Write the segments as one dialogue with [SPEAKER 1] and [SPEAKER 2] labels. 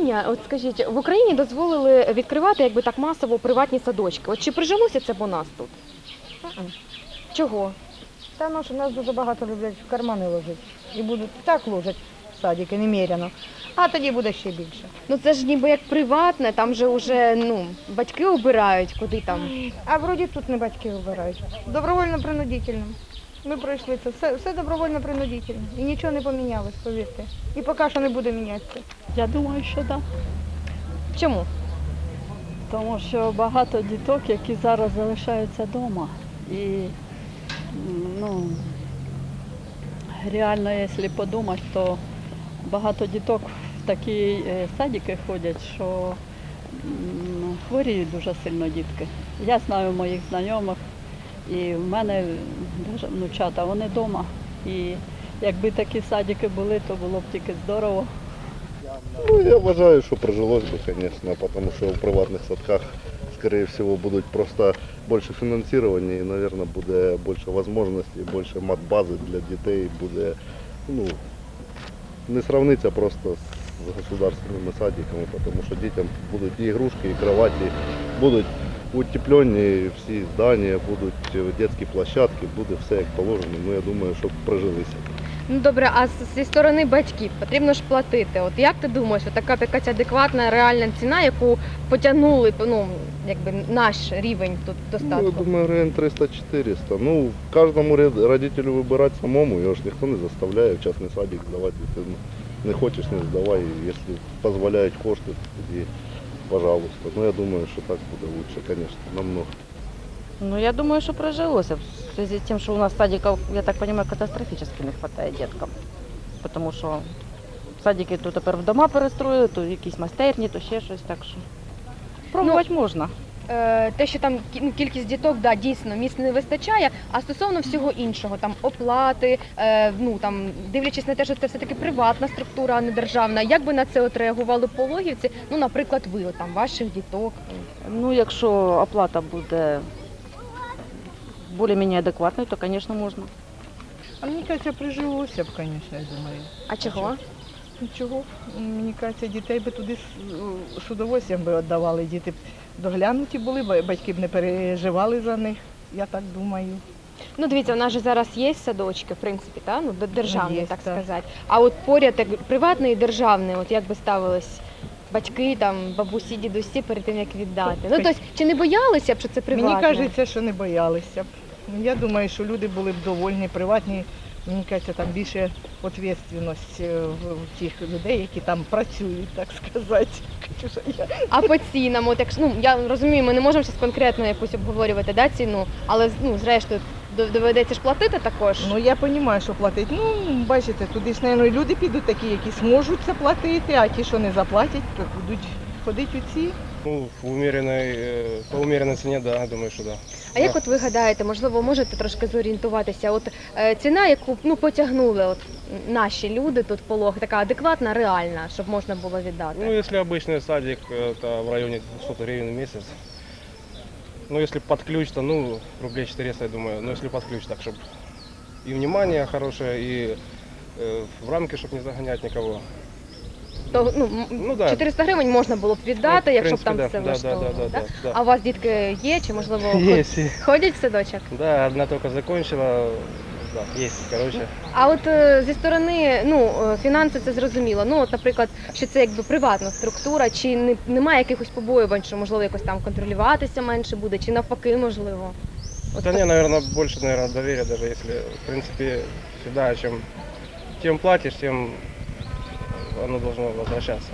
[SPEAKER 1] питання. От скажіть, в Україні дозволили відкривати якби так масово приватні садочки. От чи прижилося це б у нас тут? Чого?
[SPEAKER 2] Та ну, що нас дуже багато люблять в кармани ложити. І будуть так ложать в садики, немерено. А тоді буде ще більше.
[SPEAKER 1] Ну це ж ніби як приватне, там же вже батьки обирають, куди там.
[SPEAKER 2] А вроді тут не батьки обирають. Добровольно-принудительно. Ми пройшли це. Все добровольно-принудительно. І нічого не помінялось, повірте. І поки що не буде мінятися.
[SPEAKER 3] Я думаю, що так.
[SPEAKER 1] Чому?
[SPEAKER 3] Тому що багато діток, які зараз залишаються вдома. І реально, якщо подумати, то багато діток в такі садики ходять, що хворіють дуже сильно дітки. Я знаю моїх знайомих, і в мене навіть внучата, вони вдома. І якби такі садики були, то було б тільки здорово.
[SPEAKER 4] Ну, я вважаю, що прижилось би, звісно, тому що в приватних садках, скорее всего, будуть просто більше фінансування і, мабуть, буде більше можливостей, більше матбази для дітей, буде, не сравниться просто з государственними садиками, тому що дітям будуть і ігрушки, і кроваті, будуть утеплені всі здання, будуть дитячі площадки, буде все як положено. Ну, я думаю, щоб прижилися.
[SPEAKER 1] Ну добре, а зі сторони батьків потрібно ж платити. От як ти думаєш, така якась адекватна реальна ціна, яку потягнули наш рівень тут достатку?
[SPEAKER 4] Ну, я думаю, гривень 300-400. Ну, кожному родителю вибирати самому, його ж ніхто не заставляє в частний садик здавати дитину. Не хочеш, не здавай, якщо дозволяють кошти, тоді пожалуйста. Ну, я думаю, що так буде краще, звісно, намного.
[SPEAKER 5] Ну, я думаю, что прожилось. В связи с тем, что у нас садиков, я так понимаю, катастрофически не хватает деткам. Потому что садики то тепер в дома перестроили, то якісь майстерні, то ще щось. Так що пробувати можна.
[SPEAKER 1] Те, що там кількість діток, да, дійсно, місць не вистачає, а стосовно всього іншого, там оплати, дивлячись на те, що це все-таки приватна структура, а не державна, як би на це от реагували пологівці, наприклад, ви, ваших діток?
[SPEAKER 5] Ну, якщо оплата буде більш-менш адекватною, то, звісно, можна.
[SPEAKER 2] А мені кажеться, прижилося б, звісно, я думаю.
[SPEAKER 1] А чого?
[SPEAKER 2] Чого? Мені кажеться, дітей би туди з удовольствием би віддавали, діти б доглянуті були, батьки б не переживали за них, я так думаю.
[SPEAKER 1] Ну, дивіться, у нас же зараз є садочки, в принципі, державні,
[SPEAKER 2] Є,
[SPEAKER 1] так
[SPEAKER 2] так.
[SPEAKER 1] сказати. А от поряд приватний і державний, от як би ставились батьки, бабусі, дідусі перед тим, як віддати? Ну, тобто, чи не боялися б, що це приватне?
[SPEAKER 2] Мені кажеться, що не боялися б. Я думаю, що люди були б довольні, приватні. Мені кажеться, там більше відповідальність в тих людей, які там працюють, так сказати.
[SPEAKER 1] А по цінам, от я розумію, ми не можемо зараз конкретно якусь обговорювати ціну, але зрештою доведеться ж платити також.
[SPEAKER 2] Ну, я розумію, що платить. Ну, бачите, туди ж, мабуть, люди підуть такі, які зможуть це платити, а ті, що не заплатять, то будуть ходити у ці.
[SPEAKER 6] Ну, по умеренной цене, да, думаю, що да.
[SPEAKER 1] А як от ви гадаєте, можливо, можете трошки зорієнтуватися, от ціна, яку потягнули от наші люди тут полог, така адекватна, реальна, щоб можна було віддати?
[SPEAKER 6] Ну, если обычный садик, это в районе 200 гривен в месяц. Ну, если под ключ, то, рублей 400, я думаю. Но если под ключ, так, чтобы и внимание хорошее, и в рамки, чтобы не загонять никого.
[SPEAKER 1] То,
[SPEAKER 6] да.
[SPEAKER 1] 400 гривень можна було б віддати,
[SPEAKER 6] Ну, в
[SPEAKER 1] якщо б
[SPEAKER 6] принципі,
[SPEAKER 1] там
[SPEAKER 6] да,
[SPEAKER 1] все влаштовувало,
[SPEAKER 6] да.
[SPEAKER 1] А у вас дітки є, чи можливо ходять в садочок?
[SPEAKER 6] Да, одна только закончила, да, есть, короче.
[SPEAKER 1] А от зі сторони, фінанси це зрозуміло. Ну, от, наприклад, що це якби приватна структура, чи немає якихось побоювань, що можливо якось там контролюватися менше буде, чи навпаки, можливо? От
[SPEAKER 6] Да не, наверное, больше, доверия, даже если, в принципе, всегда, тем платишь, тем оно должно возвращаться.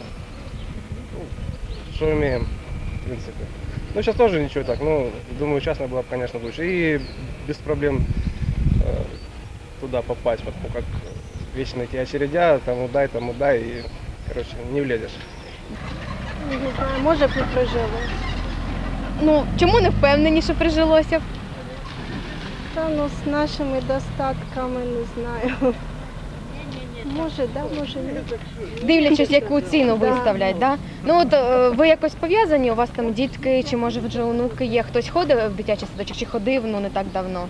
[SPEAKER 6] Что имеем, в принципе. Ну, сейчас тоже ничего так, думаю, частно было бы, конечно, лучше. И без проблем туда попасть, потому как вечно эти очередя, тому дай, и, короче, не влезешь.
[SPEAKER 7] Не знаю, може б і прижилось.
[SPEAKER 1] Ну, чому не впевнені, що прижилося б?
[SPEAKER 7] Та з нашими достатками не знаю. Може, да, може ні.
[SPEAKER 1] Дивлячись, яку ціну
[SPEAKER 7] Да.
[SPEAKER 1] виставлять, да? Ну от ви якось пов'язані, у вас там дітки, чи може вже онуки є? Хтось ходить в дитячий садочок, чи ходив, не так давно?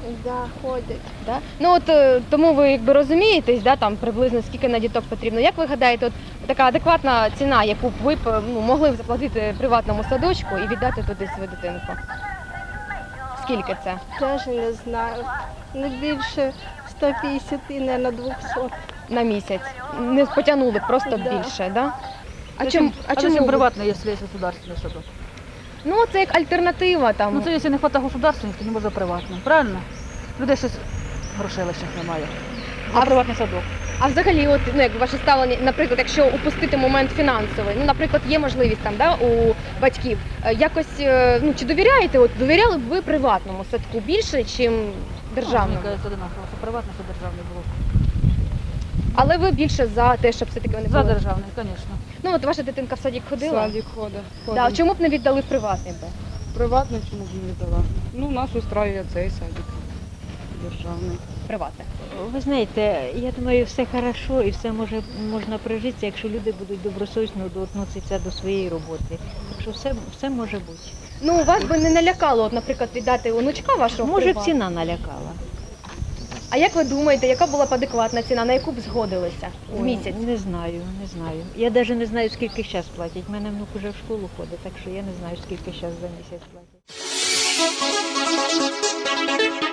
[SPEAKER 7] Да, ходять.
[SPEAKER 1] Да? Ну от тому ви якби розумієтесь, да, там приблизно скільки на діток потрібно. Як ви гадаєте, от така адекватна ціна, яку б ви б, могли б заплатити приватному садочку і віддати туди свою дитинку? Скільки це?
[SPEAKER 7] Теж не знаю. Не більше 150 і не на 200.
[SPEAKER 1] На місяць? Не потягнули б просто
[SPEAKER 7] Да.
[SPEAKER 1] більше, да? А
[SPEAKER 8] Зачем
[SPEAKER 1] чому? ви-
[SPEAKER 8] приватный, если есть государственный садок?
[SPEAKER 1] Ну це як альтернатива там.
[SPEAKER 8] Ну це якщо не вистачає государственних, то не може приватний. Правильно? Людей щось грошей лишних немає. А приватний садок.
[SPEAKER 1] А взагалі, от ну як ваше ставлення, наприклад, якщо упустити момент фінансовий, ну наприклад, є можливість там, да, у батьків якось ну чи довіряєте? От довіряли б ви приватному садку більше, чим державному?
[SPEAKER 8] Мені кажеться, одинаково. Що приватний, що державний було.
[SPEAKER 1] Але ви більше за те, щоб все-таки вони
[SPEAKER 8] За
[SPEAKER 1] були?
[SPEAKER 8] державний, звісно.
[SPEAKER 1] Ну от ваша дитинка в садик ходила?
[SPEAKER 9] Садик ходить.
[SPEAKER 1] Да, чому б не віддали в приватний би?
[SPEAKER 9] Приватно чому б не дала? Ну, нас устраює цей садик державний.
[SPEAKER 1] Приватний.
[SPEAKER 10] Ви знаєте, я думаю, все хорошо і все можна прожитися, якщо люди будуть добросовісно відноситися до своєї роботи. Так що все може бути.
[SPEAKER 1] Ну вас би не налякало, от, наприклад, віддати онучка вашого в
[SPEAKER 10] Може, б
[SPEAKER 1] приватний?
[SPEAKER 10] ціна налякала.
[SPEAKER 1] А як ви думаєте, яка була б адекватна ціна, на яку б згодилися в
[SPEAKER 10] Ой,
[SPEAKER 1] місяць?
[SPEAKER 10] Не знаю. Я навіть не знаю, скільки зараз платять. У мене внук уже в школу ходить, так що я не знаю, скільки зараз за місяць платять.